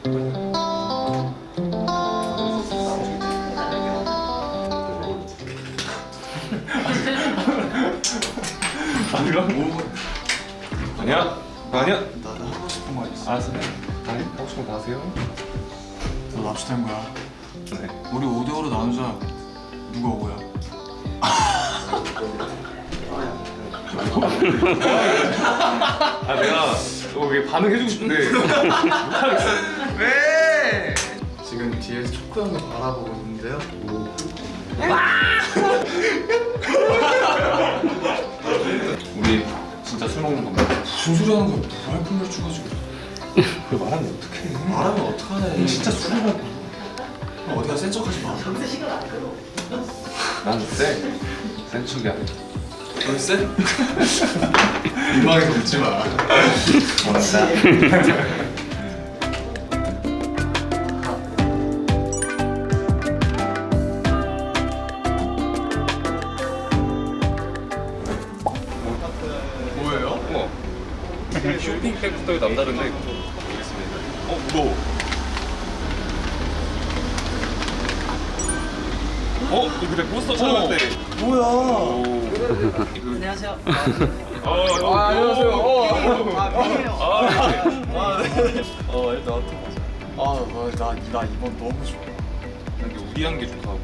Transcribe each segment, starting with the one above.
아니야? 아니야? 나 하고 싶은 거 있어. 알았어. 아니, 하고 싶은 거 다 하세요. 너 납치된 거야. 네. 우리 5대5로 나누자. 누가 5야? 아, 내가 이게 반응해주고 싶은데 못하겠어. 왜? 지금 뒤에서 초코 형을 바라보고 있는데요. 우리 진짜 술 먹는 겁니다. 무슨 소리 하는 거야? 뭐할 분을 주가지고. 그걸 말하면 어떡해. 말하면 어떡하네. 진짜 술이라고. 어디가 센 척하지 마. 난 그때 센 척이 아니야. 너 쎄? 민망해서 웃지 마. 고맙다. 뭐예요? 쇼핑백부터 남다른데 보겠습니다. 무거워. 이거 그때 포스터 촬영할 때. 뭐야? 안녕하세요. 안녕하세요. 일단 나 이번 너무 좋아. 이게 우리한 게 좋다고.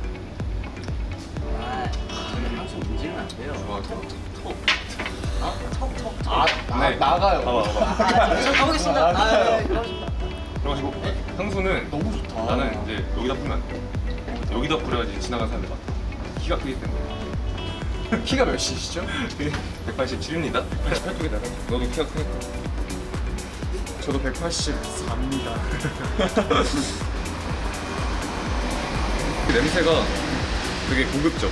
저는 항상 문제는 안 돼요. 좋아. 네. 나가요. 가보겠습니다. 그렇습니다. 그래가지고 향수는 너무 좋다. 나는 이제 여기다 뿌면 안 돼. 여기다 뿌려야지 지나가는 사람들 맡아. 키가 크기 때문에. 키가 몇이시죠? 187입니다. 188쪽에다가 너도 키가 크니까. 저도 184입니다. 냄새가 되게 고급져.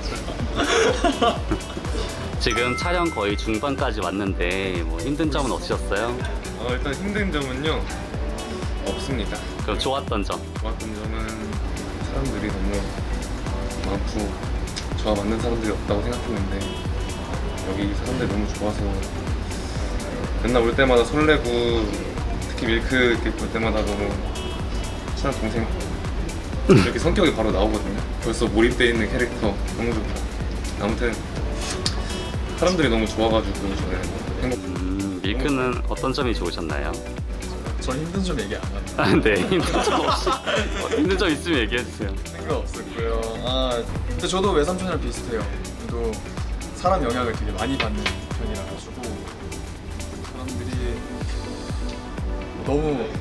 지금 촬영 거의 중반까지 왔는데 뭐 힘든 점은 없으셨어요? 일단 힘든 점은요 없습니다. 그럼 좋았던 점? 좋았던 점은 사람들이 너무 많고 저와 맞는 사람들이 없다고 생각했는데 여기 사람들이 너무 좋아서 맨날 올 때마다 설레고 특히 밀크 이렇게 볼 때마다 너무 친한 동생 이렇게 성격이 바로 나오거든요. 벌써 몰입되어 있는 캐릭터 너무 좋고 아무튼 사람들이 너무 좋아가지고 저는 행복. 밀크는 어떤 점이 좋으셨나요? 저 힘든 점 얘기 안 합니다. 네, 힘든 점 없이 힘든 점 있으면 얘기해주세요. 상관없었고요. 근데 저도 외삼촌이랑 비슷해요. 저도 사람 영향을 되게 많이 받는 편이라 가지고 사람들이 너무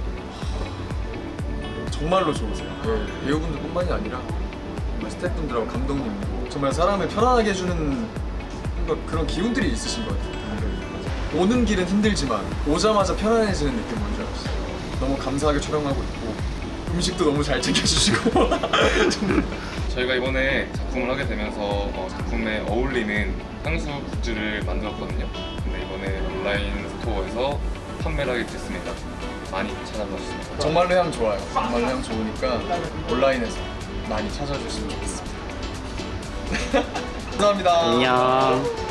정말로 좋으세요. 네, 배우분들뿐만이 아니라 정말 스태프분들하고 감독님도 정말 사람을 편안하게 해주는 뭔가 그런 기운들이 있으신 것 같아요. 오는 길은 힘들지만 오자마자 편안해지는 느낌 뭔지 알았어요. 너무 감사하게 촬영하고 있고 음식도 너무 잘 챙겨주시고 저희가 이번에 작품을 하게 되면서 작품에 어울리는 향수 굿즈를 만들었거든요. 근데 이번에 온라인 스토어에서 판매를 하게 됐습니다. 많이 찾아봐 주세요. 정말로 향 좋아요. 정말로 향 좋으니까 온라인에서 많이 찾아주시면 좋겠습니다. 감사합니다. 안녕.